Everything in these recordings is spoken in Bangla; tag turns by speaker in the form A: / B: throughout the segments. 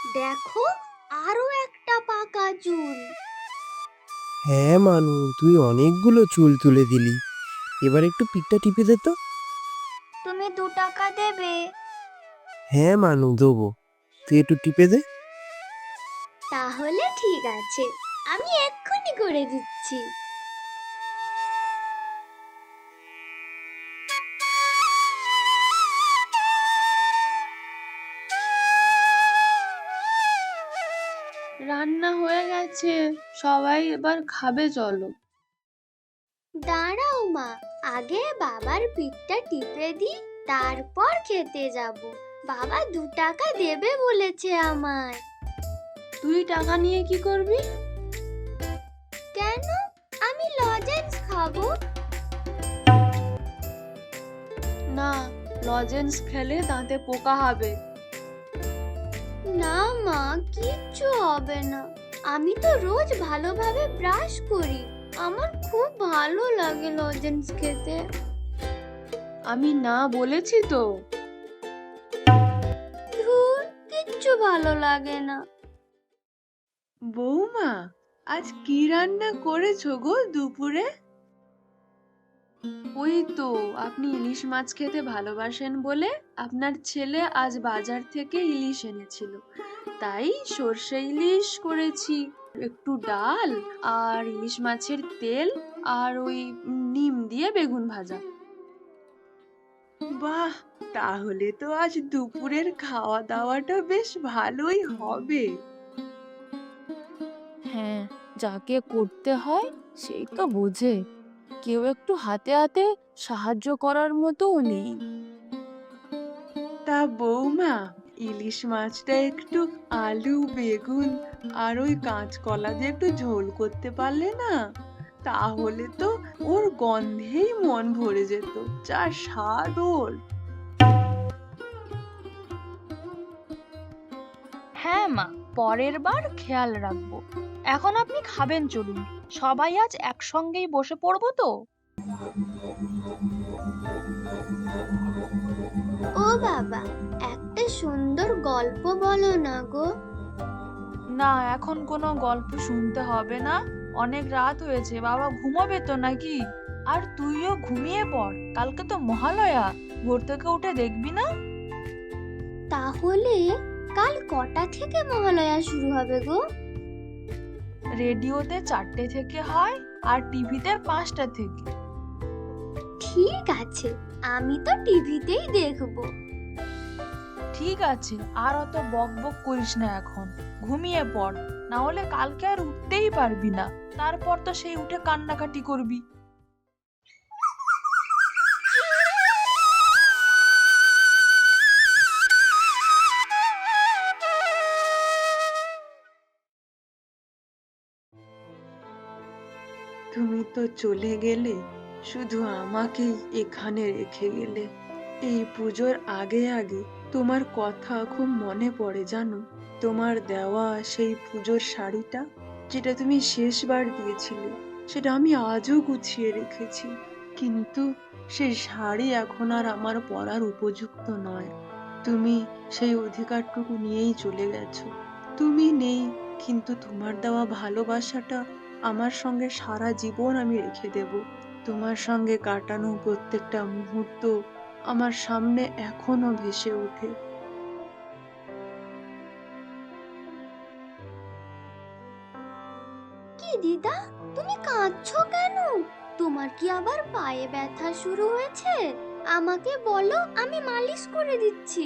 A: দেখো, আরো একটা পাকা চুল।
B: হ্যাঁ মানু, তুই অনেকগুলো চুল তুলে দিলি। এবার একটু পিঠটা টিপে দে তো।
A: তুমি 2 টাকা দেবে?
B: হ্যাঁ মানু, দেবো। তুই একটু টিপে দে।
A: তাহলে ঠিক আছে, আমি এক্ষুনি করে দিচ্ছি।
C: রান্না হয়ে গেছে, সবাই এবার খাবে, চলো।
A: দাঁড়াও মা, আগে বাবার পিঠটা টিপে দিই, তারপর খেতে যাব। বাবা 2 টাকা দেবে বলেছে আমায়।
C: তুই টাকা নিয়ে কি করবি?
A: কেন? আমি লজেন্স খাবো।
C: না, লজেন্স খেলে দাঁতে পোকা হবে।
A: না মা, কিচ্ছু হবে না। আমি তো রোজ ভালোভাবে ব্রাশ করি। আমার খুব ভালো লাগে লজেন্স খেতে।
C: আমি না বলেছি তো।
A: ধুর, কিচ্ছু ভালো লাগে না।
C: বৌমা, আজ কি রান্না করেছো গো দুপুরে? ওই তো, আপনি ইলিশ মাছ খেতে ভালোবাসেন বলে আপনার ছেলে আজ বাজার থেকে ইলিশ এনেছিল, তাই সর্ষে ইলিশ করেছি। একটু ডাল আর ইলিশ মাছের তেল আর ওই নিম দিয়ে বেগুন ভাজা। বাহ, তাহলে তো আজ দুপুরের খাওয়া দাওয়াটা বেশ ভালোই হবে।
D: হ্যাঁ, যাকে করতে হয় সেই তো বোঝে। কেউ একটু হাতে হাতে সাহায্য করার মতোও নেই।
C: তা বৌমা, ইলিশ মাছটা একটু আলু বেগুন আর ওই কাঁচকলা দিয়ে একটু ঝোল করতে পারলে না, তাহলে তো ওর গন্ধেই মন ভরে যেত। যা স্বাদ ওর!
E: হ্যাঁ মা, পরের বার খেয়াল রাখবো। এখন আপনি খাবেন, চলুন। সবাই আজ একসঙ্গেই বসে পড়বো তো।
A: ও বাবা, একটা সুন্দর গল্প বলো না গো।
E: না, এখন কোনো গল্প শুনতে হবে না। অনেক রাত হয়েছে, বাবা ঘুমাবে তো নাকি? আর তুইও ঘুমিয়ে পড়, কালকে তো মহালয়া, ভোর থেকে উঠে দেখবি না?
A: তাহলে কাল কটা থেকে মহালয়া শুরু হবে গো?
E: রেডিওতে 4টে থেকে হয় আর টিভিতে 5টা থেকে।
A: ঠিক আছে, আমি তো টিভিতেই দেখবো।
E: ঠিক আছে, আর অত বক বক করিস না, এখন ঘুমিয়ে পড়, না হলে কালকে আর উঠতেই পারবি না। তারপর তো সেই উঠে কান্নাকাটি করবি।
C: তুমি তো চলে গেলে, শুধু আমাকেই এখানে রেখে গেলে। এই পুজোর আগে আগে তোমার কথা খুব মনে পড়ে জানো। তোমার দেওয়া সেই পুজোর শাড়িটা, যেটা তুমি শেষবার দিয়েছিলে, সেটা আমি আজও গুছিয়ে রেখেছি। কিন্তু সেই শাড়ি এখন আর আমার পরার উপযুক্ত নয়। তুমি সেই অধিকারটুকু নিয়েই চলে গেছো। তুমি নেই, কিন্তু তোমার দেওয়া ভালোবাসাটা আমার সঙ্গে সারা জীবন আমি রেখে দেব। তোমার সঙ্গে কাটানো প্রত্যেকটা মুহূর্ত আমার সামনে এখনো ভেসে ওঠে।
A: কি দিদা, তুমি কাঁদছো কেন? তোমার কি আবার পায়ে ব্যথা শুরু হয়েছে? আমাকে বলো, আমি মালিশ করে দিচ্ছি।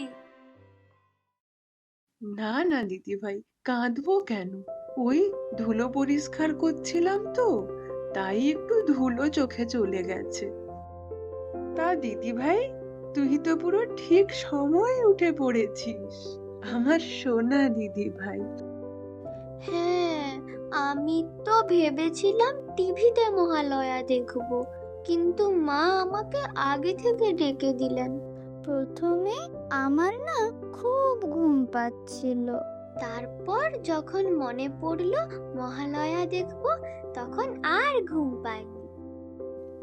C: না না দিদি ভাই, কাঁদবো কেন? ওই ধুলো পরিষ্কার করছিলাম তো, তাই একটু ধুলো চোখে চলে গেছে। তা দিদি ভাই, তুই তো পুরো ঠিক সময়ে উঠে পড়েছিস, আমার সোনা দিদি ভাই।
A: হ্যাঁ, আমি তো ভেবেছিলাম টিভিতে মহালয়া দেখবো, কিন্তু মা আমাকে আগে থেকে ডেকে দিলেন।
F: প্রথমে আমার না খুব ঘুম পাচ্ছিল।
A: তারপর যখন মনে পড়লো মহালয়া দেখবো, তখন আর ঘুম পাইনি।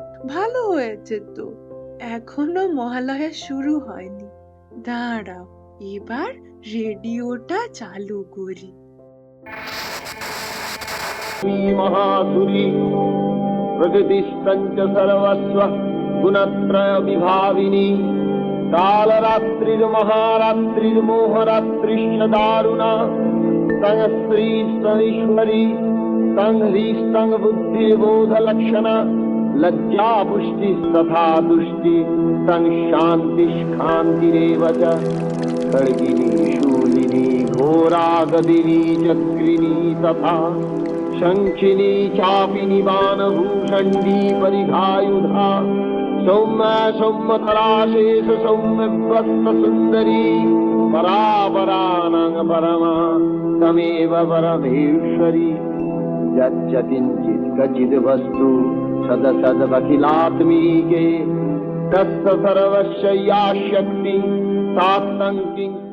C: ভালো হয়েছে তো, এখনো মহালয়া শুরু হয়নি। দাঁড়াও, এবার রেডিওটা চালু করি।
G: महासुरी प्रकृतिस्तञ्च सर्वस्व गुणत्रय विभाविनी कालरात्रिर्महारात्रिर्मोहरात्रिश्च दारुणा तं स्त्री स्तनीश्वरी तं ह्रीस्तं बुद्धिबोधलक्षणा लज्जा पुष्टिस्तथा तुष्टि तं शान्तिष्कान्तिरेव च खड्गिनी शूलिनी घोरा गदिनी चक्रिणी तथा शङ्खिनी चापिनी बाणभूषण्डी परिघायुधा सौम्या सौम्यतराशेष सौम्यव्रतसुन्दरी परापरानां परमा तमेव परमेश्वरी यच्च किञ्चित् क्वचिद् वस्तु सदसदखिलात्मीके तस्य सर्वस्य या शक्ति सा किं